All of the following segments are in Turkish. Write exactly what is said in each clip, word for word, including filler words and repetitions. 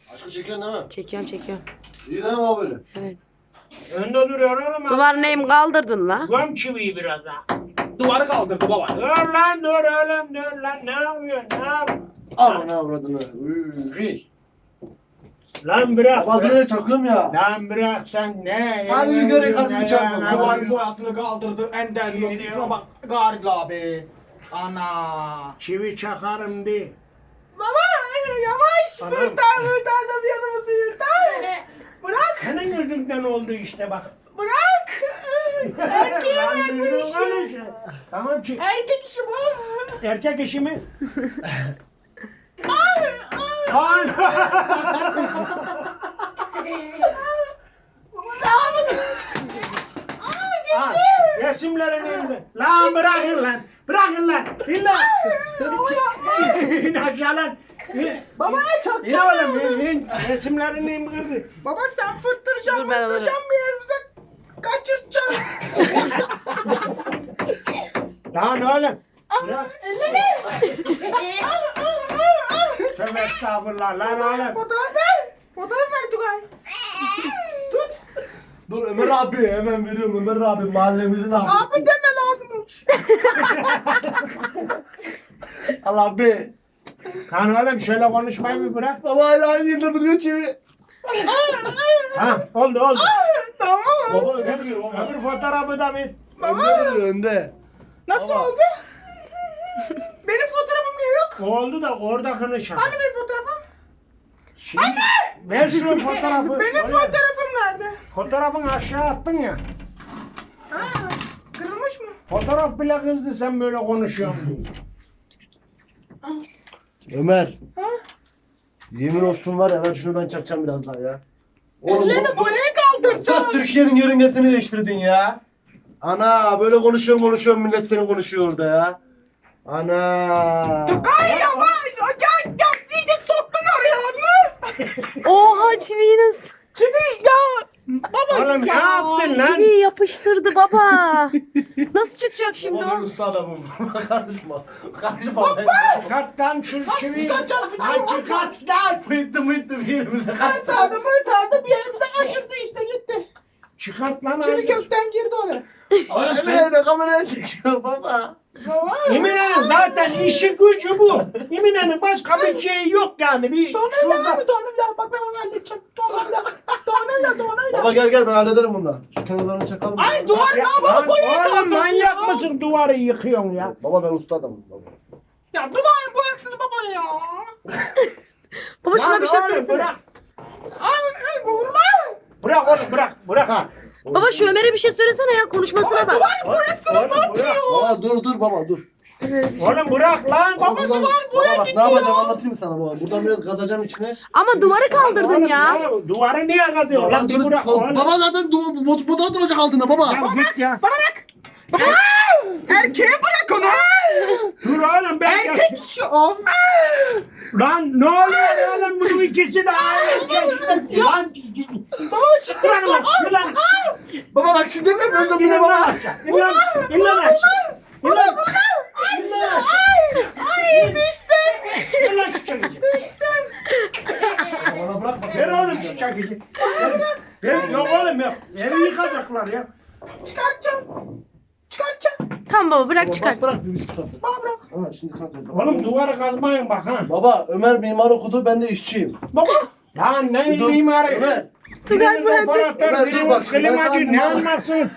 Aşkı çekiyorsun değil mi? Çekiyorum çekiyorum. İyi değil mi abi böyle? Evet. Önde duruyor oğlum. Duvar neyim kaldırdın la? Göm çiviyi biraz daha. Duvarı kaldırdı baba. Dur lan dur oğlum dur lan. Ne yapıyorsun? Ne yapıyorsun? Al ne avradını. Üy. Lan bırak. Baba bırak. buraya çakıyorum ya. Lan bırak sen ne? Hadi bir göre kalbimi çarpma. Ne Duvar var? boyasını kaldırdı. Ender yok. Şuna bak. Garga abi. Ana. Çivi çakarım de. Baba yavaş. Anam. Fırtar fırtar da bir yanımızı yırtar. Bırak. Senin yüzünden oldu işte bak. Bırak. Erkeğe Lan ver bu düzgün işi. konuş. Tamam ki. Erkek işi bu. Erkek işi mi? Ay, ay. Lan. Ha, resimlerini indir. Lan bırakın lan. Bırakın lan. İn lan. İn aşağı lan. İn. Baba çok İn oğlum in, in. Resimlerini indir. Baba sen fırtıracaksın Dur ben alırım. fırtıracaksın bir yerimize kaçıracaksın. Lan oğlum. Bırak. Elini. Tövbe estağfurullah lan oğlum. Fotoğraf ver. Fotoğraf ver Tugay. Tut. Dur Ömer abi hemen veriyorum Ömer abi mahallemizin abisi. Abi deme lazımmış. Al abi. Lan oğlum şöyle konuşmayı bir bırak. Baba hala aynı yerinde duruyor çivi. Ha oldu oldu. Tamam. Baba önde duruyor baba. Öbür fotoğrafı da bir. Önde duruyor önde. Nasıl Baba. oldu? Benim fotoğrafım niye yok? Oldu da orada konuşalım. Hani benim fotoğrafım? Şimdi ver şu fotoğrafı. Benim Oraya. fotoğrafım nerede? Fotoğrafını aşağı attın ya. Ha, kırılmış mı? Fotoğraf bile kızdı sen böyle konuşuyorsun diye. Ömer. Ha? Yemin olsun var ya ben şunu ben çakacağım biraz daha ya. Ellerini bu- boyaya kaldırdın. Sus Türkiye'nin yörüngesini değiştirdin ya. Ana böyle konuşuyorum konuşuyorum millet seni konuşuyor orada ya. Ana. Tugay yavaş. Gel gel iyice soktun oraya onu. Oha çiviyi nasıl? Çünkü ya. Baba Oğlum ne ya. yaptın lan? Çiviyi yapıştırdı baba. Nasıl çıkacak şimdi Baba ben o? usta adamım. Karışma. Karışma. Çıkart lan şu çiviyi. çıkaracağız bu Lan çiviyi? çıkart lan. Mıydı mıydı bir yerimize Tardı mırtardı bir yerimize kaçırdı işte gitti. Çıkart lan. Çivi abi. kökten girdi oraya. Oğlum Emine de kameraya çekiyor baba. Emine'nin zaten işi gücü bu. Emine'nin başka bir şeyi yok yani. Bir Tornavida şurada- var mı tornavida? Bak ben onu halledeceğim. Tornavida. Tornavida tornavida. Baba gel gel ben hallederim bunu. Şu kenarlarını çakalım. Ay duvar ne Ya, yapalım? lan Boyaya oğlum kaldırdın manyak ya. mısın duvarı yıkıyorsun ya? Baba ben usta adamım baba. Ya duvarın boyasını baba ya. Baba şuna Lan bir şey oğlum, söylesene. Bırak, Ay ay vurma. bırak oğlum bırak bırak. Ha. Baba şu Ömer'e bir şey söylesene ya konuşmasına bak. Duvar boyasını Oğlum, ne yapıyor? Baba dur dur baba dur. Ömer'e bir şey Oğlum bırak lan. Baba, Baba, buradan- duvar boya baba bak ne gidiyor. yapacağım anlatayım sana baba. Buradan biraz kazacağım içine. Ama duvarı kaldırdın Oğlum, ya. Duvarı niye kazıyor? Baba, Lan bir dur, bırak baba, oğlum. baba zaten du- fot- fotoğraf duracak altında baba. Ya git ya. Bana bak. Baba. Erkeğe bırak onu. Dur oğlum ben. Erkek işi o. Lan ne oluyor oğlum bunun ikisi de aynı şey. Lan. Baba şimdi Bırak lan. Yürü lan. Baba bak şimdi de böyle İn bile lan baba. aşağı. İn lan. İn lan aşağı. İn lan. İn lan aşağı. Ay düştüm. İn lan şu çekici. Bana bırak bak. Ver oğlum şu çekici. Ver. Ver. Yok oğlum yok. Evi yıkacaklar ya. Çıkartacağım. Çıkartacağım. Tamam baba bırak Bak çıkarsın. bırak bir üst katı. Baba bırak. Ha şimdi kalk hadi. Oğlum duvarı kazmayın bak ha. Baba Ömer mimar okudu ben de işçiyim. Baba. Lan ne Dur, mimarı? Ömer. Tugay Biriniz mühendis. operatör, Ömer, dur biriniz bak, ben klimacı sana ne mimar- anlarsın?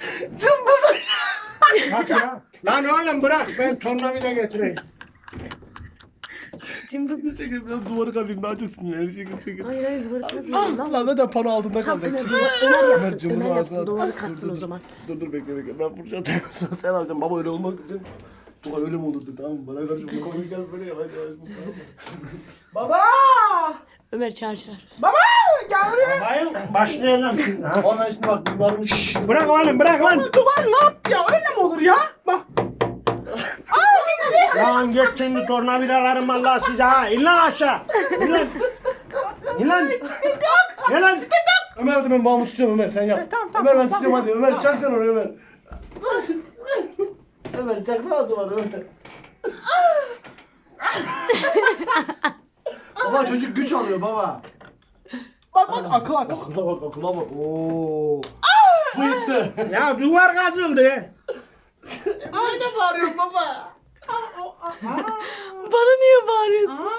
Bak ya. Lan oğlum bırak ben tornavida getireyim. Cımbızını. Çekil biraz duvarı kazayım daha çok sinirlenir. Çekil çekil. Hayır hayır duvarı kazmayalım lan. Lan zaten pano altında Tamam kalacak. Ömer, duvar, Ömer yapsın. cımbızı Ömer ağzına yapsın at. duvarı Dur, katsın dur, o dur. zaman. Dur dur bekle bekle. Ben Furşat sen alacaksın. Baba öyle olmak için. Tuğay öyle mi olurdu tamam mı? Bana karşı bu konuyu gel böyle yavaş yavaş. Baba. Ömer çağır çağır. Baba. Gel buraya. Bayım başlayalım şimdi ha. Ama ben şimdi bak mimarımı şşş. Bırak oğlum bırak lan. Baba duvar ne yaptı ya? Öyle mi olur ya? Bak. Lan geç şimdi tornavidalarım Allah size ha. İn lan aşağı. İn lan. İn lan. Gel lan. Ömer hadi ben bağımı tutuyorum Ömer sen yap. tamam, tamam, Ömer ben tamam, tutuyorum hadi Ömer çak sen oraya Ömer. Ömer çaksana duvarı Ömer. Baba çocuk güç alıyor baba. Bak bak akıl akıl. Akıla bak akıla bak. Oo. Fıyıktı. Ya duvar kazıldı. Aynen bağırıyorum baba. Bana niye bağırıyorsun?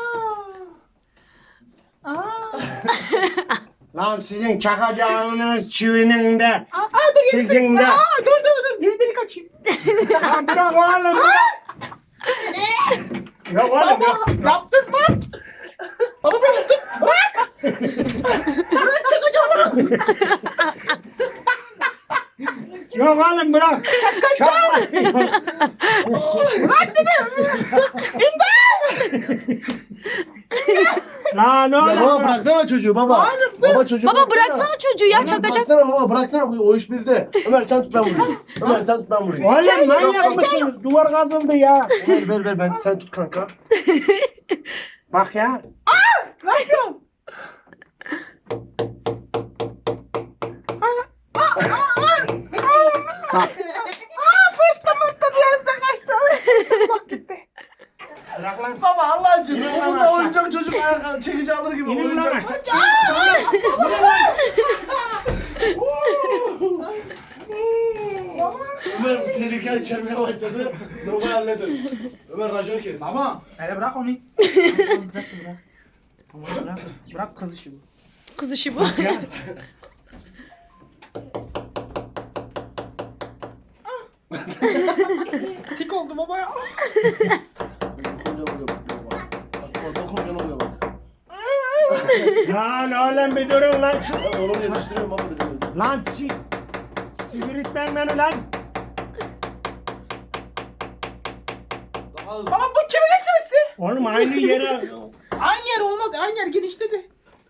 Lan sizin çakacağınız çivinin de sizin de. Aa, dur dur dur. Geri delik açayım. Lan bırak oğlum bırak. Yok oğlum yok. Yaptık mı? Baba beni tut. Bırak. Bırak çakacağım onu. Yok oğlum bırak. Çakacağım. Bırak dedim. Lan Ya oğlum baba bırak. bıraksana çocuğu baba. Baba çocuğu Baba bıraksana çocuğu ya çakacak. Bıraksana baba bıraksana o iş bizde. Ömer sen tut ben vurayım. Ömer sen tut ben vurayım. Oğlum manyak mısınız? Duvar kazıldı ya. Ver ver ver ben sen tut kanka. Bak ya. Bırak lan. Baba Allah aşkına bu da oyuncak çocuk ayakkabı çekici alır gibi İnin lan oyuncak. aşağı. Ömer tehlike içermeye başladı. Normal hallederim. Ömer raconu kes. Baba hele bırak onu. Bırak bırak. Baba bırak. Bırak kız işi bu. Kız işi bu. Ya. Tik oldu baba ya. Dokuncan oluyor bak. Lan oğlum bir durun lan. Şu- Ben onu yetiştiriyorum baba bizim evde. Lan si siviritmen beni lan. Daha hızlı. Baba bu kimin içmesi? Oğlum aynı yere. Aynı yer olmaz. Aynı yer genişledi.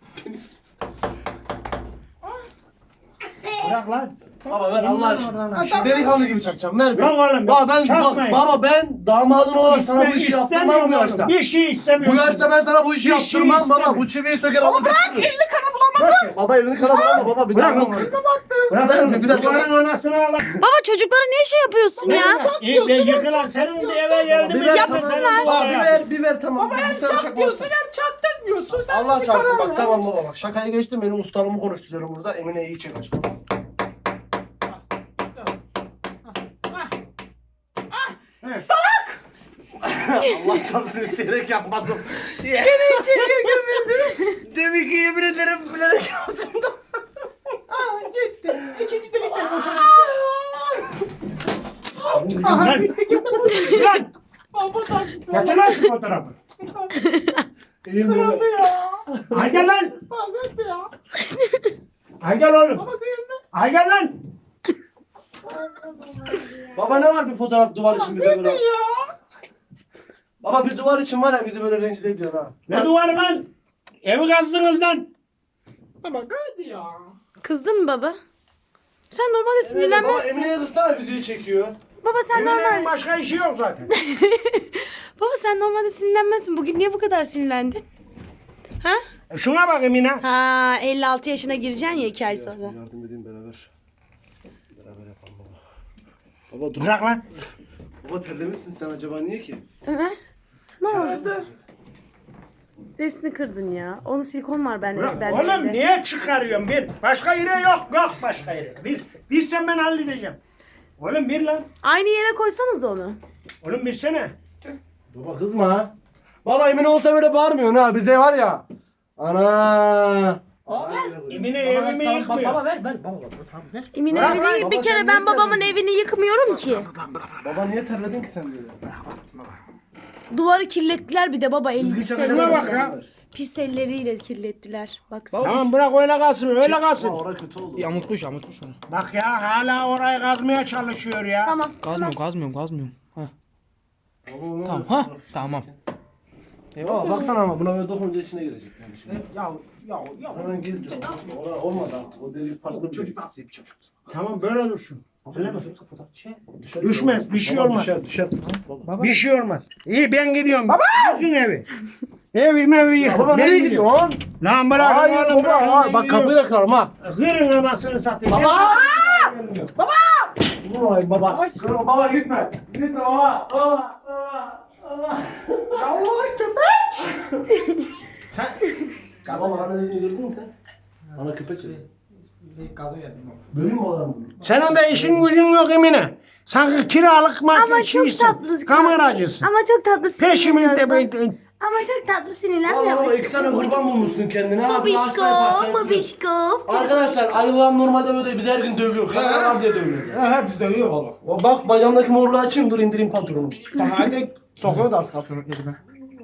Bırak lan. Baba ver Allah aşkına. Delikanlı gibi çakacağım. Ver Yok be. oğlum. Baba ben çakmayın. baba ben damadın olarak sana bu işi İste- yaptırmam istemiyorum bu oğlum. yaşta. Bir şey Bu istemiyorum. yaşta ben sana bu işi Bir şey yaptırmam baba. istemiyorum. Bu çiviyi söker alır götürürüm. Elini kana bulamadı. Baba elini kana bulama baba bir Bırak daha. onu. Bırak Bırak bir bir dakika. Duvarın anasını al. Baba çocuklara niye şey yapıyorsun ya? İyi de yıkılan senin de eve geldi. Bir mi? ver Yapsınlar. tamam. Senin Baba bu bir ya. ver bir ver tamam. Baba Hem çak diyorsun hem çaktın diyorsun. Sen Allah bir çarpsın karar bak ver. tamam baba bak şakayı geçtim benim ustalığımı konuşturuyorum burada Emine iyi çek aşkım. Allah çarpsın isteyerek yapmadım. Beni içeriye gömüldün. Demin ki yemin ederim bilerek yaptım da. Aa gitti. İkinci delik de boşa Lan. Lan. Baba taktı. Getir lan şu fotoğrafı. İyiyim böyle. Ya. Ay gel lan. Baba gitti ya. Ay gel oğlum. Baba kıyıldı. Ay gel lan. Baba ne var bir fotoğraf duvar için bize böyle. Ya. Baba bir duvar için var ya bizi böyle rencide ediyor ha. Ne duvarı lan? Evi kazdınız lan. Baba kıydı ya. Kızdın mı baba? Sen normalde Baba sinirlenmezsin. Emine'ye kızsana videoyu çekiyor. Baba sen Emine'nin normal. başka işi yok zaten. Baba sen normalde sinirlenmezsin. Bugün niye bu kadar sinirlendin? Ha? E Şuna bak Emine. Ha elli altı yaşına gireceksin ya iki ay sonra. Yardım edeyim beraber. Beraber yapalım baba. Baba dur. Bırak lan. Baba terlemişsin sen acaba niye ki? Ömer. Ne oldu? Resmi kırdın ya. Onun silikon var bende. Bırak. bende Oğlum evde. niye çıkarıyorsun bir? Başka yere yok. Yok başka yere. Bir. Bir sen ben halledeceğim. Oğlum bir lan. Aynı yere koysanız onu. Oğlum bir sene. Baba kızma ha. Baba Emine olsa böyle bağırmıyorsun ha bize var ya. Ana. Emine evimi Tamam, yıkmıyor. baba ver ver. Baba tamam ver. Emin Bırak evini lan, bir baba, kere sen ben niye babamın terledin? evini yıkmıyorum ki. Baba niye terledin ki sen böyle? Duvarı kirlettiler bir de baba el Düzgün pis çakacak Şuna bak elleriyle. ya. Pis elleriyle kirlettiler. Baksana. Tamam bırak öyle kalsın öyle kalsın. Baba orası kötü oldu. Yamutmuş yamutmuş onu. Bak ya hala orayı kazmaya çalışıyor ya. Tamam. Kazmıyorum kazmıyorum kazmıyorum. Ha. Baba, onu Tamam öyle ha. fotoğraf. Tamam. Baba baksana ama buna böyle dokununca içine girecek yani şimdi. Ya ya ya. Hemen girdi. Ona olmadı artık. O delik farklı bir çocuk. nasıl bir çocuk? Tamam böyle dursun. Öyle mi? Fotoğraf şey. Düşmez bir şey Baba olmaz. Düşer düşer. Baba. Bir şey olmaz. İyi ben gidiyorum. Baba. Bütün evi. Evim evi Ya yıkın. baba Ben nereye gidiyorum. gidiyorsun? Lan bırak. Hayır oğlum, baba. bırak, ha, ben Bak gidiyorum. kapıyı da kırarım ha. Kırın anasını satayım. Baba! Vay baba. Kırma baba gitme. Gitme baba. Baba. Baba. Baba. Allah köpek. Sen. Baba bana ne dediğini gördün mü sen? Ana köpek dedi. Bir gazı yedim. Döveyim mi adam? Senin de işin gücün yok Emine. Sanki kiralık Ama çok marketçisin. tatlı. Kameracısın. Ama çok tatlı Peşimde sinirleniyorsun. be. Ama çok tatlı Valla sinirlenmiyor baba musun? iki tane kurban bulmuşsun kendine. Abi Babişko, hasta yaparsan. babişko. Arkadaşlar Ali babam normalde böyle bizi her gün dövüyor. Kamera var diye dövüyor. He biz dövüyor valla. O bak bacağımdaki morluğu açayım dur indireyim pantolonumu. Tamam hadi sokuyor da az kalsın elime.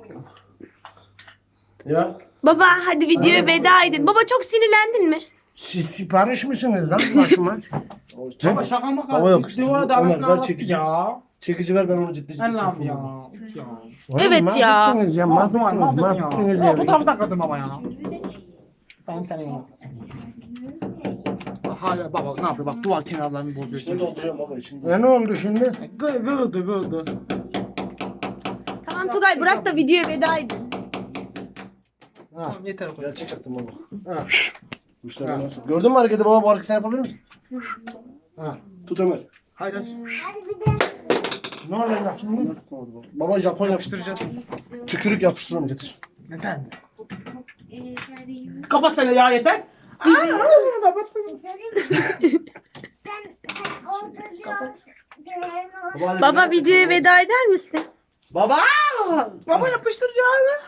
Ya. Baba hadi videoya veda edin. Baba çok sinirlendin mi? Siz sipariş misiniz lan başıma? Baba şaka mı kaldı? Baba yok. Duvara da Ömer, arasına ver anlattı çekici. ya. Çekici ver ben onu ciddi ciddi Allah'ım çekeyim. ya. Üf ya. Evet ya. Mahvettiniz ya. Mahvettiniz. Mahvettin Mahvettiniz ya. ya. Fotoğrafı takıldım ama ya. Sen sen ya. Hala baba ne yapıyor bak duvar kenarlarını bozuyor. İçini dolduruyorum baba içini. Ya ne oldu şimdi? Gıldı gıldı. Tamam Tugay bırak da videoya veda edin. Tamam yeter o kadar. Gerçek yaptım baba. Ha. Kuşlar nasıl? Gördün mü hareketi baba bu hareketi sen yapabilir misin? Ha. Tut Ömer. Hayır hayır. Ne olacak şimdi? Baba Japon yapıştıracağız. Tükürük yapıştırıyorum getir. Neden? Kapat seni ya yeter. Sen, sen o çocuğa Baba, hadi Baba bir dakika, videoya tamam. veda eder misin? Baba! Baba yapıştıracağım.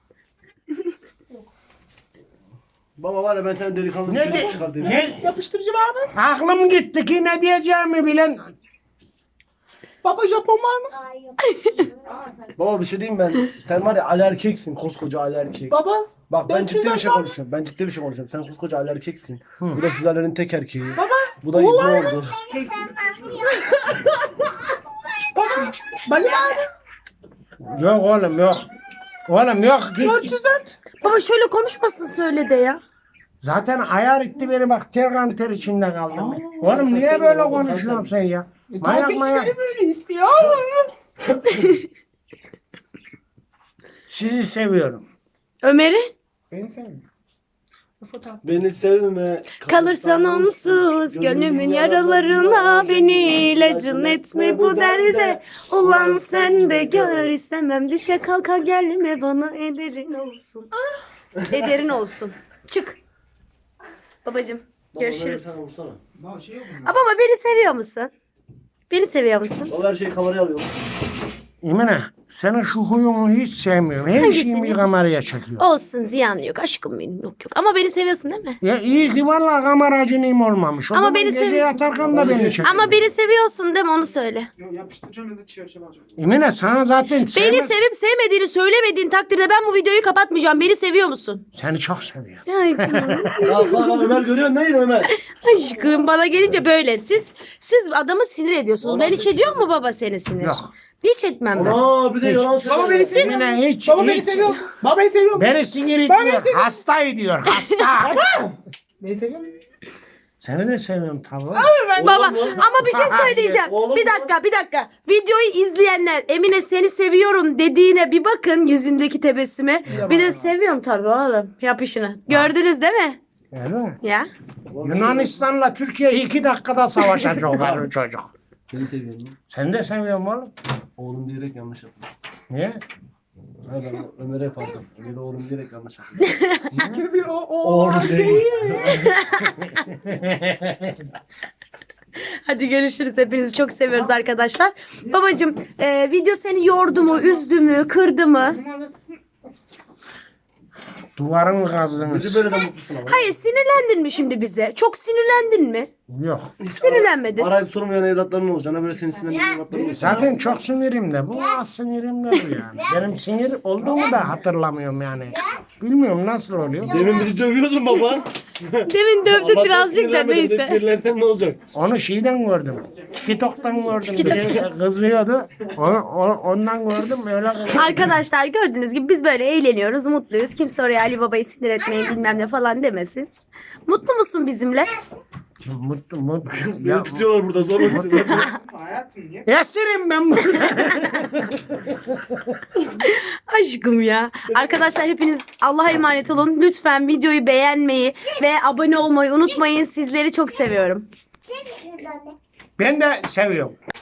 Baba var ya ben sana delikanlı Ne bir de- çocuk çıkartayım. Ne? Yapıştırıcı abi. Aklım gitti ki ne diyeceğimi bilen. Baba Japon var mı? Baba bir şey diyeyim ben. Sen var ya Ali erkeksin. Koskoca Ali erkek. Baba. Bak ben Ben ciddi bir çizer şey baba. konuşuyorum. Ben ciddi bir şey konuşuyorum. Sen koskoca Ali erkeksin. Bu da sülalenin tek erkeği. Baba. Bu da Oğlan. İbni oldu. Baba. Bali var mı? Yok oğlum yok. Oğlum yok. dört yüz dört. Baba şöyle konuşmasın söyle de ya. Zaten ayar etti beni bak ter kan ter içinde kaldım. ben. Oğlum niye böyle konuşuyorsun sen ya? Mayak mayak. böyle istiyor. Sizi seviyorum. Ömer'i Beni sevmiyor. Beni sevme. kalırsan onsuz gönlümün yaralarına beni ilacın etme bu derde. Ulan sen de gör istemem düşe kalka gelme bana ederin olsun. Ederin olsun. Çık. Babacım görüşürüz. Baba, vursana. Aa, baba beni seviyor musun? Beni seviyor musun? Baba her şeyi kameraya alıyor. Emine senin şu huyunu hiç sevmiyorum. Her Hangisini? şeyimi kameraya çekiyor. Olsun ziyan yok aşkım benim yok yok. Ama beni seviyorsun değil mi? Ya iyi ki valla kameracınım olmamış. O Ama zaman beni gece seviyorsun. yatarken da beni çekiyor. Ama beni seviyorsun değil mi onu söyle. Yapıştıracağım ya da çerçeve alacağım. Emine sana zaten Beni sevmez- sevip sevmediğini söylemediğin takdirde ben bu videoyu kapatmayacağım. Beni seviyor musun? Seni çok seviyorum. Ay, Bak bak bak Ömer görüyorsun değil mi Ömer? aşkım bana gelince böyle. Siz siz adamı sinir ediyorsunuz. Ben hiç ediyor mu baba seni sinir? Yok. Hiç etmem ben. Aa bir de yalan söylüyor. Baba beni seviyor. Emine hiç. Baba beni seviyor. Baba beni seviyor. Beni sinir ediyor. Hasta ediyor. Hasta. Beni seviyor. Seni de seviyorum tabii. Baba Oğlum mu? ama bir şey söyleyeceğim. Oğlum Bir mu? dakika bir dakika. Videoyu izleyenler Emine seni seviyorum dediğine bir bakın yüzündeki tebessüme. Bir de seviyorum tabii oğlum. Yap işini. Gördünüz değil mi? Öyle mi? Ya. Yunanistan'la Türkiye iki dakikada savaşacak o çocuk. Seni seviyorum. Sen de seviyorum oğlum. Oğlum diyerek yanlış yaptım. Niye? Ha ben Ömer'e yapardım. Ömer'e oğlum diyerek yanlış yaptım. Oğlum değil. Hadi görüşürüz. Hepinizi çok seviyoruz arkadaşlar. Babacım e, video seni yordu mu, üzdü mü, kırdı mı? Duvarın Bizi kazdınız. böyle de mutlusun ama. Hayır sinirlendin mi şimdi bize? Çok sinirlendin mi? Yok. Sinirlenmedin. Arayıp sormayan evlatların olacak. Hani böyle senin sinirlendiğin evlatların olacak. Zaten çok sinirim de. Bu az sinirim de bu yani. Benim sinir olduğumu da hatırlamıyorum yani. Bilmiyorum nasıl oluyor. Demin bizi dövüyordun baba. Demin dövdü Allah'tan birazcık da sinirlenmedin. neyse. Sinirlensen ne olacak? Onu şeyden gördüm. TikTok'tan gördüm. Biri kızıyordu. Onu, o- ondan gördüm. Öyle kızıyor. Arkadaşlar gördüğünüz gibi biz böyle eğleniyoruz, mutluyuz. Kimse oraya Ali Baba'yı sinir etmeyin bilmem ne falan demesin. Mutlu musun bizimle? Mutlu mutlu. Beni Ya, tutuyorlar burada zor musun? esirim ben burada. Aşkım ya. Arkadaşlar hepiniz Allah'a emanet olun. Lütfen videoyu beğenmeyi ve abone olmayı unutmayın. Sizleri çok seviyorum. Ben de seviyorum.